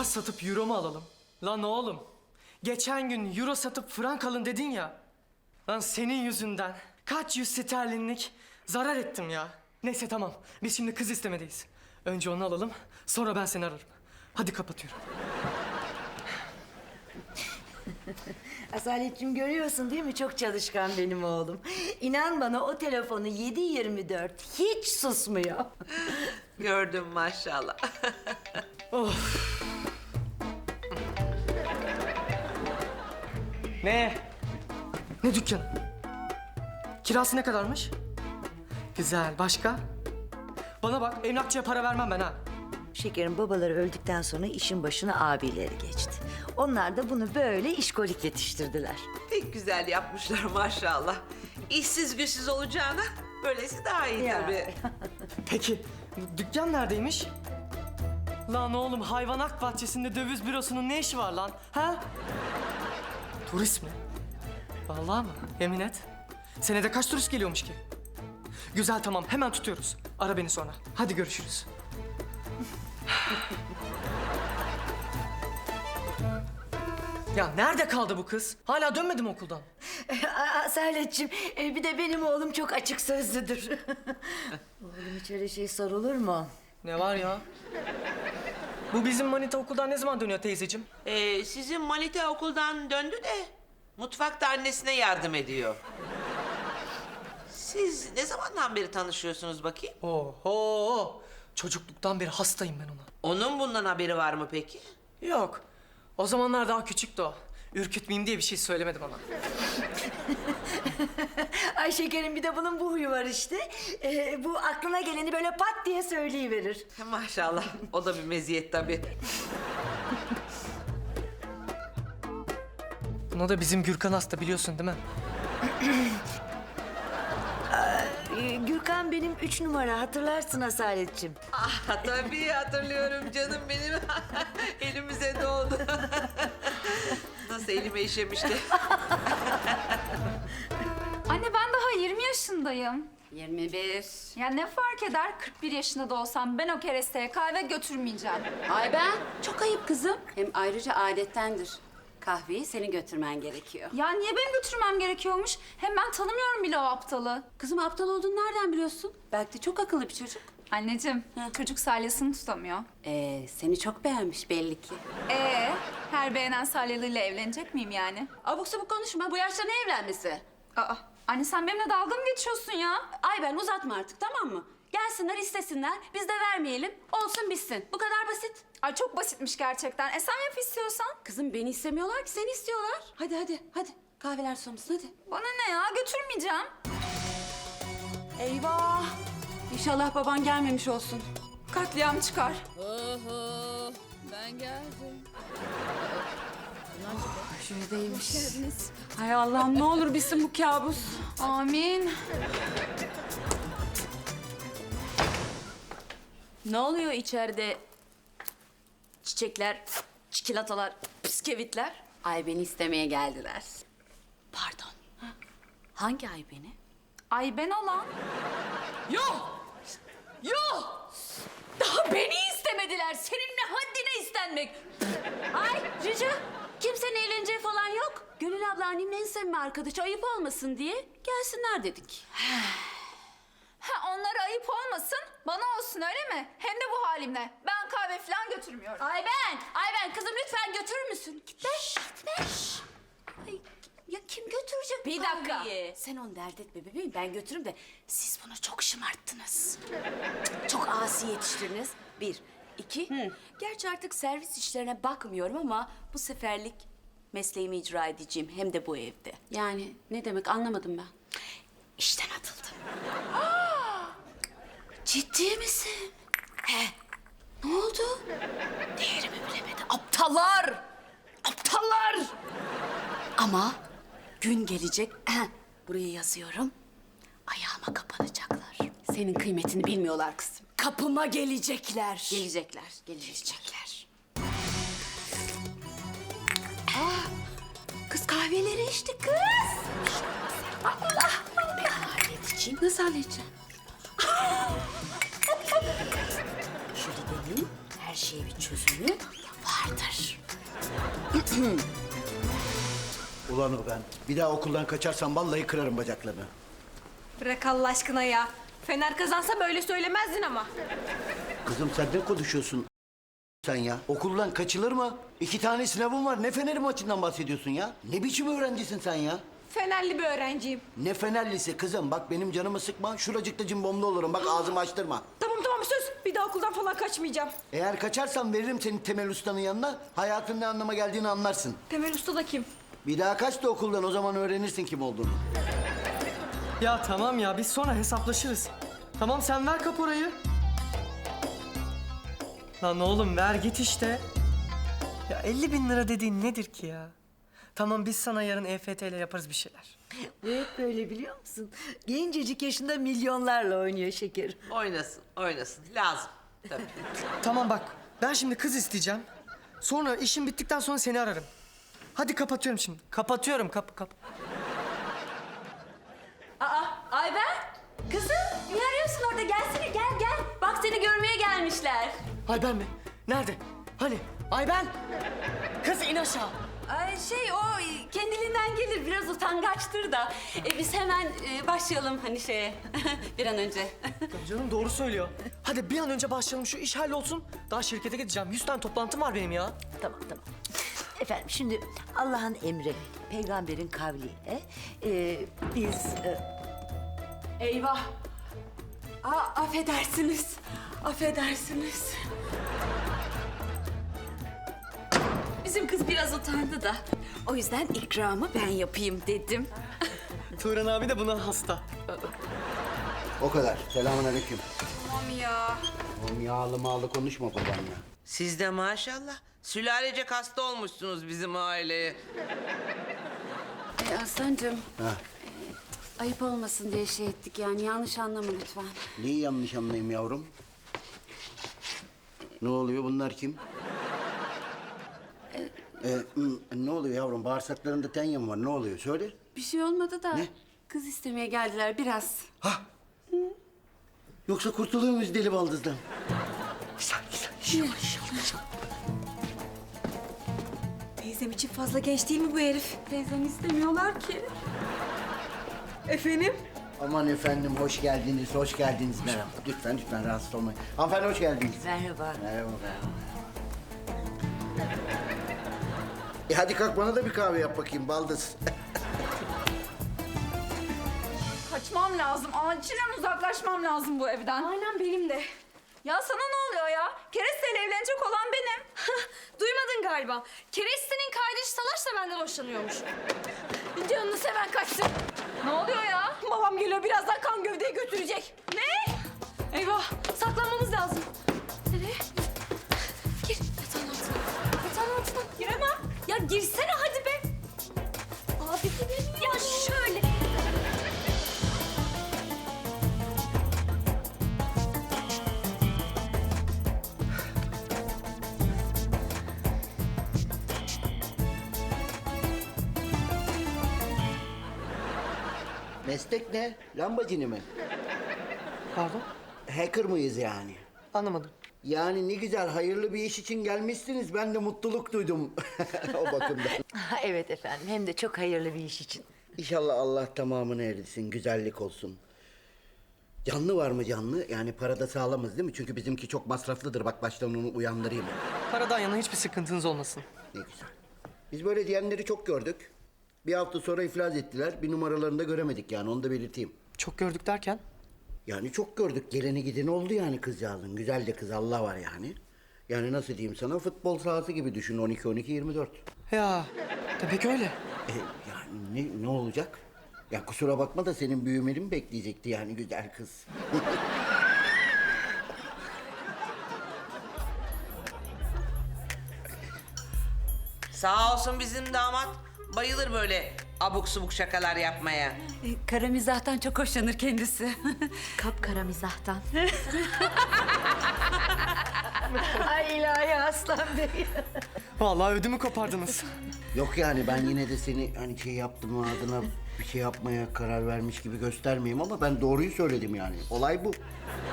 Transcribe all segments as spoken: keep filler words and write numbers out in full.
dolar satıp euro mu alalım? Lan oğlum, geçen gün euro satıp frank alın dedin ya. Lan senin yüzünden kaç yüz sterlinlik zarar ettim ya. Neyse tamam, biz şimdi kız istemedeyiz. Önce onu alalım, sonra ben seni ararım. Hadi kapatıyorum. Asaletciğim görüyorsun değil mi? Çok çalışkan benim oğlum. İnan bana o telefonu yedi yirmi dört hiç susmuyor. Gördüm maşallah. Of. Ne? Ne dükkan? Kirası ne kadarmış? Güzel, başka? Bana bak, emlakçıya para vermem ben ha. Şekerin babaları öldükten sonra işin başına abileri geçti. Onlar da bunu böyle işkolik yetiştirdiler. Pek güzel yapmışlar maşallah. İşsiz güçsüz olacağına böylesi daha iyi Ya. tabii. Peki, dükkan neredeymiş? Lan oğlum, hayvanat bahçesinde döviz bürosunun ne işi var lan? Ha? Turist mi? Vallahi mı? Yemin et. Senede kaç turist geliyormuş ki? Güzel tamam, hemen tutuyoruz. Ara beni sonra. Hadi görüşürüz. Ya nerede kaldı bu kız? Hala dönmedi mi okuldan? Asaletciğim e, bir de benim oğlum çok açık sözlüdür. Oğlum hiç öyle şey sorulur mu? Ne var ya? Bu bizim manita okuldan ne zaman dönüyor teyzeciğim? Ee, sizin Manita okuldan döndü de mutfakta annesine yardım ediyor. Siz ne zamandan beri tanışıyorsunuz bakayım? Oho! Çocukluktan beri hastayım ben ona. Onun bundan haberi var mı peki? Yok. O zamanlar daha küçüktü o. Ürkütmeyeyim diye bir şey söylemedi bana. Ay şekerim bir de bunun bu huyu var işte. E, bu aklına geleni böyle pat diye söyleyiverir. Maşallah. O da bir meziyet tabii. Buna da bizim Gürkan hasta biliyorsun değil mi? Ee, Gürkan benim üç numara hatırlarsın Asaletciğim. Ah, tabii hatırlıyorum canım benim. Elimize doğdu. Nasıl elime işemişti. Anne ben daha yirmi yaşındayım. yirmi bir. Ya ne fark eder kırk bir yaşında da olsam ben o keresteye kahve götürmeyeceğim. Ay ben çok ayıp kızım. Hem ayrıca adettendir. Kahveyi senin götürmen gerekiyor. Ya niye benim götürmem gerekiyormuş? Hem ben tanımıyorum bile o aptalı. Kızım aptal olduğunu nereden biliyorsun? Belki de çok akıllı bir çocuk. Anneciğim çocuk salyasını tutamıyor. Ee, seni çok beğenmiş belli ki. Ee, her beğenen salyalıyla evlenecek miyim yani? Abuk sabuk konuşma. Bu yaşta ne evlenmesi? Aa, anne sen benimle dalga mı geçiyorsun ya? Ay ben uzatma artık tamam mı? Gelsinler istesinler. Biz de vermeyelim. Olsun bitsin. Bu kadar basit. Ay çok basitmiş gerçekten. E sen yap istiyorsan. Kızım beni istemiyorlar ki seni istiyorlar. Hadi hadi hadi. Kahveler sonuçsun hadi. Bana ne ya götürmeyeceğim. Eyvah. İnşallah baban gelmemiş olsun. Katliam çıkar. Oho, ben geldim. Şuradaymış. Hay Allah'ım ne olur bitsin bu kabus. Amin. Ne oluyor içeride? Çiçekler, çikolatalar, bisküvitler. Ay beni istemeye geldiler. Pardon. Hangi ay beni? Ay ben olan. Yok! Yok! Daha beni istemediler. Senin ne haddine istenmek? Ay Cici, kimsenin eğleneceği falan yok. Gönül abla annemin en sevme arkadaşı ayıp olmasın diye gelsinler dedik. Ha onlara ayıp olmasın, bana olsun öyle mi? Hem de bu halimle. Ben kahve falan götürmüyorum. Ay ben, ay ben kızım lütfen götürür müsün? Gitme, gitme. Ay, ya kim götürecek Bir bu dakika. kahveyi? Sen onu dert etme bebeğim, ben götürürüm de siz bunu çok şımarttınız. Çok asi yetiştirdiniz. Bir. İki. Gerçi artık servis işlerine bakmıyorum ama bu seferlik mesleğimi icra edeceğim. Hem de bu evde. Yani ne demek anlamadım ben. İşten atıldım. Ciddi misin? He. Ne oldu? Değerimi bilemedi. Aptallar! Aptallar! Ama gün gelecek. Buraya yazıyorum. Ayağıma kapanacaklar. Senin kıymetini bilmiyorlar kızım. Kapıma gelecekler. Gelecekler, gelecekler. Gelecekler. Kız kahveleri içti kız. Allah! Ben halledeceğim. Nasıl halledeceğim? Jülide'nin her şeye bir çözümü vardır. Ulan o ben. Bir daha okuldan kaçarsam vallahi kırarım bacaklarını. Bırak Allah aşkına ya. Fener kazansa böyle söylemezdin ama. Kızım sen ne konuşuyorsun sen ya? Okuldan kaçılır mı? İki tane sınavım var. Ne Fener'i maçından bahsediyorsun ya? Ne biçim öğrencisin sen ya? Fenerli bir öğrenciyim. Ne Fenerlisi kızım? Bak benim canımı sıkma. Şuracıkta cimbomlu olurum. Bak ağzımı açtırma. Tamam tamam söz. Bir daha okuldan falan kaçmayacağım. Eğer kaçarsan veririm seni Temel Usta'nın yanına. Hayatın ne anlama geldiğini anlarsın. Temel Usta da kim? Bir daha kaç da okuldan, o zaman öğrenirsin kim olduğunu. Ya tamam ya biz sonra hesaplaşırız. Tamam sen ver kaporayı. Lan oğlum ver git işte. Ya elli bin lira dediğin nedir ki ya? Tamam biz sana yarın E F T ile yaparız bir şeyler. Bu hep böyle biliyor musun? Gencecik yaşında milyonlarla oynuyor şeker. Oynasın, oynasın. Lazım. Tabii. Tamam bak ben şimdi kız isteyeceğim. Sonra işim bittikten sonra seni ararım. Hadi kapatıyorum şimdi. Kapatıyorum kap kap. Aa, Ayben. Kızım, ne arıyorsun orada? Gelsene, gel gel. Bak seni görmeye gelmişler. Ayben mi? Nerede? Hani? Ayben! Kız in aşağı. Ay şey o kendiliğinden gelir. Biraz utangaçtır da. E, biz hemen e, başlayalım hani şeye. Bir an önce. Ya canım doğru söylüyor. Hadi bir an önce başlayalım şu iş hallolsun. Daha şirkete gideceğim. Yüz tane toplantım var benim ya. Tamam tamam. Efendim şimdi Allah'ın emri, peygamberin kavliyle e, biz... e, Eyvah. Aa, affedersiniz. Affedersiniz. Bizim kız biraz utandı da. O yüzden ikramı ben yapayım dedim. Turan abi de buna hasta. O kadar. Selamünaleyküm. Tamam ya. Oğlum yağlı mağlı konuşma babanla. Siz de maşallah sülalecek hasta olmuşsunuz bizim aileye. Ee, Aslancığım, Ha. ayıp olmasın diye şey ettik yani. Yanlış anlama lütfen. Neyi yanlış anlayayım yavrum? Ne oluyor? Bunlar kim? Ee, hı, ne oluyor yavrum? Bağırsaklarında tenya var. Ne oluyor? Söyle. Bir şey olmadı da. Ne? Kız istemeye geldiler biraz. Yoksa kurtuluyor muyuz deli baldızdan? Teyzem için fazla genç değil mi bu herif? Teyzem istemiyorlar ki. Efendim? Aman efendim hoş geldiniz, hoş geldiniz. Merhaba. Lütfen, lütfen rahatsız olmayın. Hanımefendi hoş geldiniz. Merhaba. Merhaba. E hadi kalk bana da bir kahve yap bakayım baldız. Kaçmam lazım. Acilen uzaklaşmam lazım bu evden. Aynen benim de. Ya sana ne oluyor ya? Kereste'yle evlenecek olan benim. Duymadın galiba. Kereste'nin kardeşi Salaş da benden hoşlanıyormuş. Canını seven kaçsın. Ne oluyor ya? Babam geliyor birazdan kan gövdeyi götürecek. Ne? Eyvah saklanmamız lazım. Nereye? Gir yatağın altına. Yatağın altına. Giremem. Ya girsene hadi be. Abi ya şöyle. Meslek ne? Lambacini mi? Pardon? Hacker mıyız yani? Anlamadım. Yani ne güzel hayırlı bir iş için gelmişsiniz. Ben de mutluluk duydum o bakımdan. Ha, evet efendim hem de çok hayırlı bir iş için. İnşallah Allah tamamını erdirsin, güzellik olsun. Canlı var mı canlı? Yani parada sağlamız değil mi? Çünkü bizimki çok masraflıdır. Bak baştan onu uyandırayım. Paradan yana hiçbir sıkıntınız olmasın. Ne güzel. Biz böyle diyenleri çok gördük. Bir hafta sonra iflas ettiler. Bir numaralarını da göremedik yani onu da belirteyim. Çok gördük derken? Yani çok gördük. Geleni gideni oldu yani kızcağızın. Güzel de kız Allah var yani. Yani nasıl diyeyim sana futbol sahası gibi düşün on iki on iki yirmi dört. Ya demek öyle. E, yani ne, ne olacak? Ya kusura bakma da senin büyümeni mi bekleyecekti yani güzel kız? Sağ olsun bizim damat. Bayılır böyle abuk subuk şakalar yapmaya. E, kara mizahtan çok hoşlanır kendisi. Kapkara mizahtan. Ay ilahi Aslan Bey. Vallahi ödümü kopardınız. Yok yani ben yine de seni hani şey yaptım adına bir şey yapmaya karar vermiş gibi göstermeyeyim ama ben doğruyu söyledim yani. Olay bu.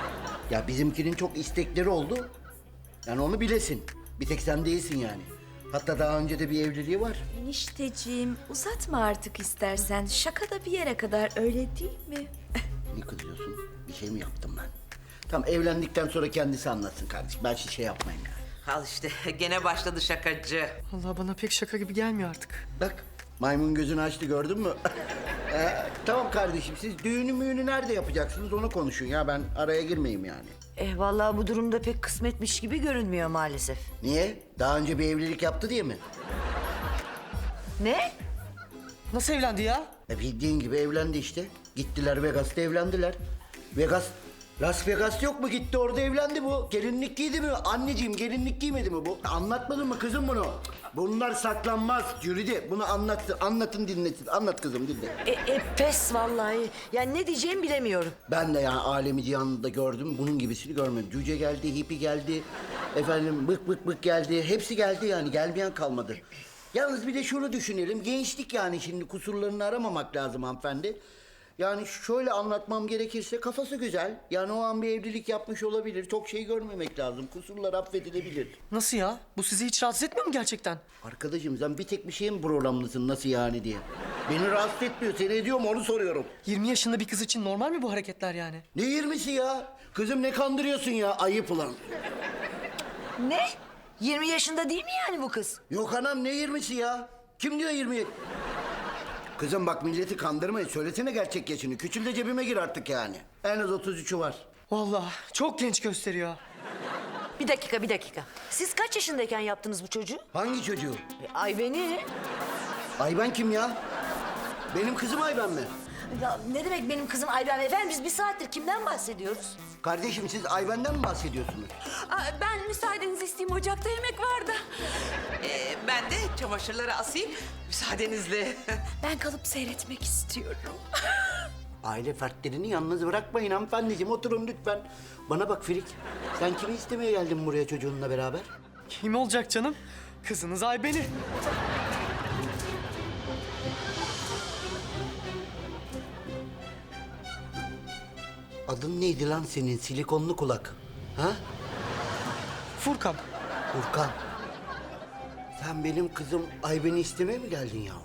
Ya bizimkinin çok istekleri oldu. Yani onu bilesin. Bir tek sen değilsin yani. Hatta daha önce de bir evliliği var. Enişteciğim uzatma artık istersen. Şaka da bir yere kadar öyle değil mi? Ne kızıyorsun? Bir şey mi yaptım ben? Tamam, evlendikten sonra kendisi anlatsın kardeşim. Ben şey şey yapmayayım yani. Al işte gene başladı şakacı. Allah bana pek şaka gibi gelmiyor artık. Bak, maymun gözünü açtı, gördün mü? Ee, tamam kardeşim, siz düğünü müğünü nerede yapacaksınız onu konuşun ya. Ben araya girmeyeyim yani. Eh vallahi bu durumda pek kısmetmiş gibi görünmüyor maalesef. Niye? Daha önce bir evlilik yaptı diye mi? Ne? Nasıl evlendi ya? E bildiğin gibi evlendi işte. Gittiler Vegas'ta evlendiler. Vegas, Las Vegas yok mu? Gitti orada evlendi bu. Gelinlik giydi mi? Anneciğim gelinlik giymedi mi bu? Anlatmadın mı kızım bunu? Bunlar saklanmaz Jülide. Bunu anlattın, anlatın dinletin. Anlat kızım dinle. E, e pes vallahi. Yani ne diyeceğimi bilemiyorum. Ben de yani alemi cihanında gördüm. Bunun gibisini görmedim. Cüce geldi, hipi geldi. Efendim bık bık bık geldi. Hepsi geldi yani. Gelmeyen kalmadı. Yalnız bir de şunu düşünelim. Gençlik yani şimdi kusurlarını aramamak lazım hanımefendi. Yani şöyle anlatmam gerekirse kafası güzel. Yani o an bir evlilik yapmış olabilir. Çok şey görmemek lazım. Kusurlar affedilebilir. Nasıl ya? Bu sizi hiç rahatsız etmiyor mu gerçekten? Arkadaşım sen bir tek bir şeye mi programlısın nasıl yani diye. Beni rahatsız etmiyor. Seni ediyor mu onu soruyorum. yirmi yaşında bir kız için normal mi bu hareketler yani? Ne yirmisi ya? Kızım ne kandırıyorsun ya? Ayıp ulan. Ne? yirmi yaşında değil mi yani bu kız? Yok anam ne yirmisi ya? Kim diyor yirmi? Kızım bak milleti kandırmayın. Söylesene gerçek yaşını. Küçül de cebime gir artık yani. En az otuz üçü var. Vallahi çok genç gösteriyor. Bir dakika bir dakika. Siz kaç yaşındayken yaptınız bu çocuğu? Hangi çocuğu? E, Ayben'i. Ayben kim ya? Benim kızım Ayben mi? Ya ne demek benim kızım Ayben? Efendim biz bir saattir kimden bahsediyoruz? Kardeşim siz Ayben'den mi bahsediyorsunuz? Aa, ben müsaadenizi isteyeyim, ocakta yemek vardı. Ee, ben de çamaşırları asayım müsaadenizle. Ben kalıp seyretmek istiyorum. Aile fertlerini yalnız bırakmayın hanımefendiciğim. Oturun lütfen. Bana bak Firik. Sen kimi istemeye geldin buraya çocuğunla beraber? Kim olacak canım? Kızınız Ayben'i. Adın neydi lan senin silikonlu kulak? Ha? Furkan. Furkan. Sen benim kızım Ayben'i istemeye mi geldin yavrum?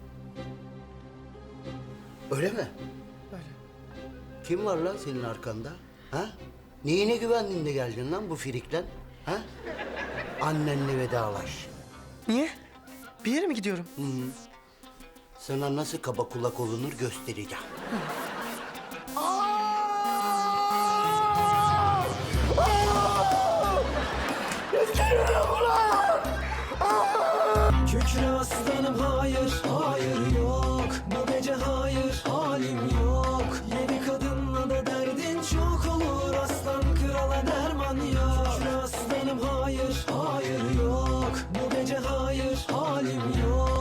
Öyle mi? Öyle. Kim var lan senin arkanda? Ha? Neyine güvendin de geldin lan bu firikten? Ha? Annenle vedalaş. Niye? Bir yere mi gidiyorum? Sana nasıl kaba kulak olunur göstereceğim. Kükre aslanım hayır, hayır yok. Bu gece hayır, halim yok. Yeni kadınla da derdin çok olur. Aslan krala derman yok. Kükre aslanım hayır, hayır yok. Bu gece hayır, halim yok.